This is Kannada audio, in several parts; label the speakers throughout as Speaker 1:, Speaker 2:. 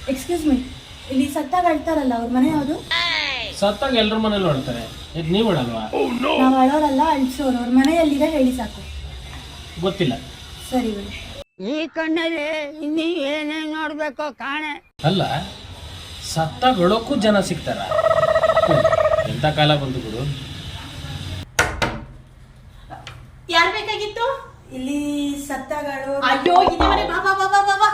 Speaker 1: ಎಕ್ಸ್ಕ್ಯೂಸ್ ಮೀ, ಇಲ್ಲಿ ಸತ್ತಾಗ ಅಳ್ತಾರಲ್ಲ ಅವ್ರ ಮನೆ ಯಾವುದು?
Speaker 2: ಸತ್ತಾಗ ಎಲ್ರ ಮನೇಲಿ ಹೊಡ್ತಾರೆ, ನೀವು ಅಲ್ವಾ?
Speaker 1: ನಾವು ಅಳೋರಲ್ಲ, ಅಳ್ಸೋರು. ಅವ್ರ ಮನೆ ಎಲ್ಲಿದೆ ಹೇಳಿ ಸಾಕು.
Speaker 2: ಗೊತ್ತಿಲ್ಲ.
Speaker 1: ಸರಿ ಬಿಡಿ.
Speaker 3: ಈ ಕಣ್ಣಲ್ಲಿ ಇನ್ನೀ ಏನೇನ್ ನೋಡ್ಬೇಕೋ ಕಾಣೆ.
Speaker 2: ಅಲ್ಲ, ಸತ್ತಾಗ ಅಳೋಕ್ಕೂ ಜನ ಸಿಗ್ತಾರ? ಎಂತ ಕಾಲ ಬಂತು ಗುರು.
Speaker 4: ಯಾರ್ ಬೇಕಾಗಿತ್ತು?
Speaker 1: ಇಲ್ಲಿ ಸತ್ತಾಗ ಅಳೋ.
Speaker 4: ಅಯ್ಯೋ, ಇದೆ ಮನೆ. ಬಾ ಬಾ ಬಾ ಬಾ ಬಾ ಬಾ.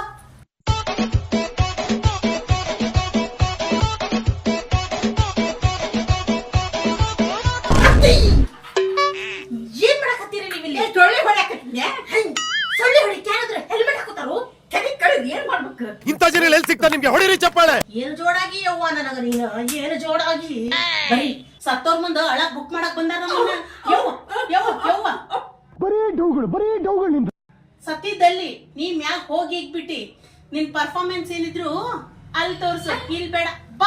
Speaker 4: ಏನ್ ಮಾಡಕತ್ತೀರಿ ನೀವು ಇಲ್ಲಿ? ಸೊಳ್ಳೆ ಹೊಡ್ಯಾಕತ್ತೀನ್ಯಾ? ಸೊಳ್ಳೆ ಹೊಡಿಕ್ಕೆ ಯಾರಾದ್ರೂ ಹೆಲ್ಮೆಟ್ ಹಾಕೋತಾರು? ತಲೆ ಕಳೆದು ಏನ್ ಮಾಡ್ಬೇಕು?
Speaker 5: ಇಂಥ ಜನ ಎಲ್ಲಿ ಸಿಗ್ತಾ ನಿಮ್ಗೆ? ಹೊಡಿರಿ ಚಪ್ಪಾಳೆ.
Speaker 4: ಏನ್ ಜೋಡಾಗಿ ಯವ್ವ ನನಗ ನೀನು, ಏನ್ ಜೋಡಾಗಿ ಬರೀ ಸತ್ತೋರ್ ಮುಂದ ಅಳಕ್ ಬುಕ್ ಮಾಡಕ್ ಬಂದಾರ ನಮ್ಮನ್ನ. ಯವ್ವ ಯವ್ವ ಯವ್ವ,
Speaker 5: ಬರೀ ಡೌಗಳು ನಿಮ್ದು.
Speaker 4: ಸತ್ತಿದ್ದಲ್ಲಿ ನೀ ಮ್ಯಾಗ ಹೋಗಿ ಇಕ್ಬಿಟ್ಟಿ. ನಿನ್ ಪರ್ಫಾರ್ಮೆನ್ಸ್ ಏನಿದ್ರು ಅಲ್ಲಿ ತೋರ್ಸು, ಇಲ್ಲಿ ಬೇಡ. ಬಾ.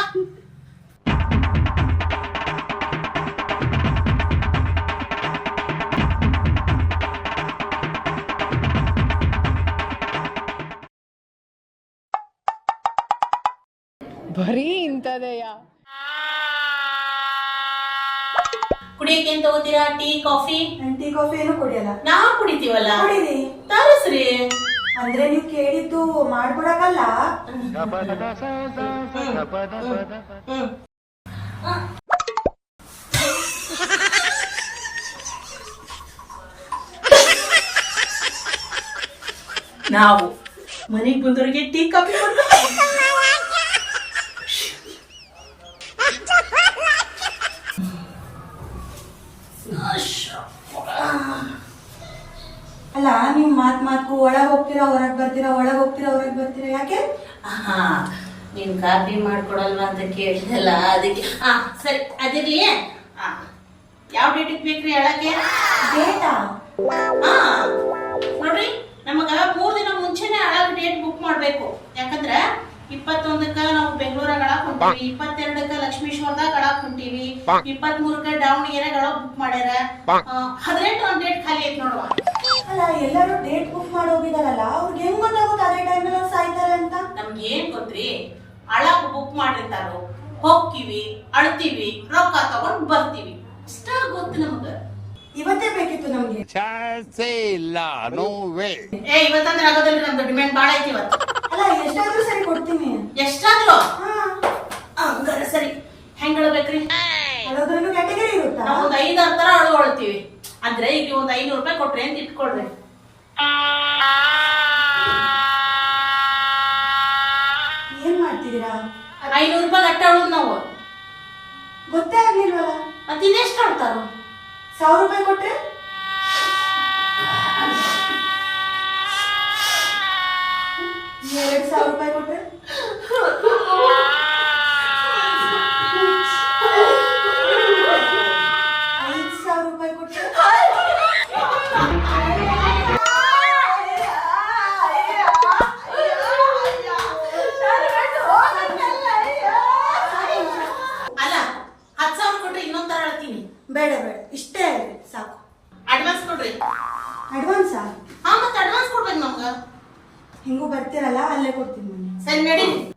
Speaker 3: ಬರೀ ಇಂಥದೆಯಾ?
Speaker 4: ಕುಡಿಯಕ್ಕೆ ಏನ್ ತಗೋತೀರಾ? Tea, coffee?
Speaker 1: ಟೀ ಕಾಫಿ ಏನು ಕುಡಿಯಲ್ಲ.
Speaker 4: ನಾವ್ ಕುಡಿತೀವಲ್ಲ.
Speaker 1: ಕುಡೀರಿ.
Speaker 4: ತರಸ್ರಿ.
Speaker 1: ಅಂದ್ರೆ ನೀವು ಕೇಳಿದ್ದು ಮಾಡ್ಕೊಡಕಲ್ಲ.
Speaker 4: ನಾವು ಮನೆಗ್ ಬಂದವ್ರಿಗೆ ಟೀ ಕಾಫಿ
Speaker 1: ಅಲ್ಲ, ನೀವು ಮಾತ್ಗೂ ಒಳಗ್ ಹೋಗ್ತೀರಾ ಹೊರಗ್ ಬರ್ತೀರಾ, ಒಳಗ್ ಹೋಗ್ತೀರಾ ಹೊರಗ್ ಬರ್ತೀರಾ, ಯಾಕೆ?
Speaker 4: ನೀನ್ ಕಾಫಿ ಮಾಡ್ಕೊಡಲ್ವಾ ಅಂತ ಕೇಳಿದಲ್ಲ, ಅದಕ್ಕೆ. ಸರಿ, ಅದಿರ್ಲಿ. ಯಾವ ಡೇಟಿಗೆ ಬೇಕ್ರಿ ಹೇಳಕ್ಕೆ?
Speaker 1: ಡೇಟಾ?
Speaker 4: ನೋಡ್ರಿ, ನಮಗ 3 ದಿನ ಮುಂಚೆನೆ ಅಳಗ್ ಡೇಟ್ ಬುಕ್ ಮಾಡ್ಬೇಕು. ಯಾಕಂದ್ರ 21ಕ್ಕ ನಾವು ಬೆಂಗಳೂರಾಗ ಅಳಕ್ ಹೊಂಟೀವಿ, 22ಕ್ಕ ಲಕ್ಷ್ಮೀಶ್ವರದಾಗ ಅಳಕ್ ಹೊಂಟೀವಿ, 23ಕ್ಕ ದಾವಣಗೆರೆಗೆ ಅಳಕ್ ಬುಕ್ ಮಾಡ್ಯಾರ, 18 ಒಂದ್ ಡೇಟ್ ಖಾಲಿ ಐತಿ ನೋಡುವ.
Speaker 1: ಅಲ್ಲ, ಎಲ್ಲರೂ ಡೇಟ್ ಬುಕ್ ಮಾಡಿ ಹೋಗಿದಾರಲ್ಲ, ಅವ್ರಿಗೆ ಹೆಂಗ್ ಗೊತ್ತಾಗುತ್ತೆ ಅದೇ ಟೈಮಲ್ಲಿ ಅವ್ರು ಸಾಯ್ತಾರೆ ಅಂತ?
Speaker 4: ನಮ್ಗೆ ಏನ್ ಗೊತ್ತ್ರಿ? ಅಳಕ್ ಬುಕ್ ಮಾಡಿರ್ತಾರೋ, ಹೋಗ್ತೀವಿ, ಅಳ್ತೀವಿ, ರೊಕ್ಕ ತಗೊಂಡ್ ಬರ್ತೀವಿ, ಇಷ್ಟ ಗೊತ್ತು ನಮಗ.
Speaker 1: ಇವತ್ತೇ ಬೇಕಿತ್ತು ನಮ್ಗೆ.
Speaker 5: ಚಾನ್ಸೇ ಇಲ್ಲ, ನೋ ವೇ.
Speaker 4: ಇವತ್ತಂದ್ರೆ ಆಗೋದಿಲ್ಲ, ನಮ್ದು ಡಿಮ್ಯಾಂಡ್ ಬಾಳ ಐತಿ ಇವತ್ತು.
Speaker 1: ಅಲ್ಲ, ಎಷ್ಟಾದ್ರೂ ಸರಿ ಕೊಡ್ತೀನಿ.
Speaker 4: ಎಷ್ಟಾದ್ರು? ಹಂಗಾರ ಸರಿ. ಹೆಂಗ್ ಹೇಳ್ಬೇಕ್ರಿ?
Speaker 1: ಅದ್ರಲ್ಲೂ ಕ್ಯಾಟಗರಿ ಇರುತ್ತಾ?
Speaker 4: ನಾವ್ ಒಂದ್ 5-6 ತರ ಅಳ್ಕೊಳ್ತೀವಿ. ಅಂದ್ರೆ ಈಗ ಒಂದ್ 500 ರೂಪಾಯಿ ಕೊಟ್ರೆ ಅಂತ ಇಟ್ಕೊಳ್ರಿ.
Speaker 1: ಏನ್ ಮಾಡ್ತಿದ್ದೀರಾ?
Speaker 4: 500 ರೂಪಾಯಿ ಗಟ್ಟ ಅಳುದ್ ನಾವು.
Speaker 1: ಗೊತ್ತೇ ಆಗ್ಲಿಲ್ವಲ್ಲ.
Speaker 4: ಮತ್ತಿನ್ನೆಷ್ಟು ಅಳ್ತಾರ?
Speaker 1: 1000 ರೂಪಾಯಿ ಕೊಟ್ರೆ? 2000 ರೂಪಾಯಿ ಕೊಟ್ರೆ? 5000 ರೂಪಾಯಿ ಕೊಟ್ರೆ?
Speaker 4: ಅಲ್ಲ, 10,000 ಕೊಟ್ರೆ ಇನ್ನೊಂದ್ ತರ ಅಳ್ತೀನಿ.
Speaker 1: ಬೇಡ ಬೇಡ, ಇಷ್ಟೇ ಆಗ್ಲಿ ಸಾಕು.
Speaker 4: ಅಡ್ವಾನ್ಸ್ ಕೊಡ್ರಿ.
Speaker 1: ಅಡ್ವಾನ್ಸಾ?
Speaker 4: ಮತ್ತೆ ಅಡ್ವಾನ್ಸ್ ಕೊಡ್ಬೇಕು ನಮ್ಗ.
Speaker 1: ಹಿಂಗೂ ಬರ್ತೀರಲ್ಲ, ಅಲ್ಲೇ ಕೊಡ್ತೀನಿ.
Speaker 4: ಸರಿ, ನಡೀರಿ.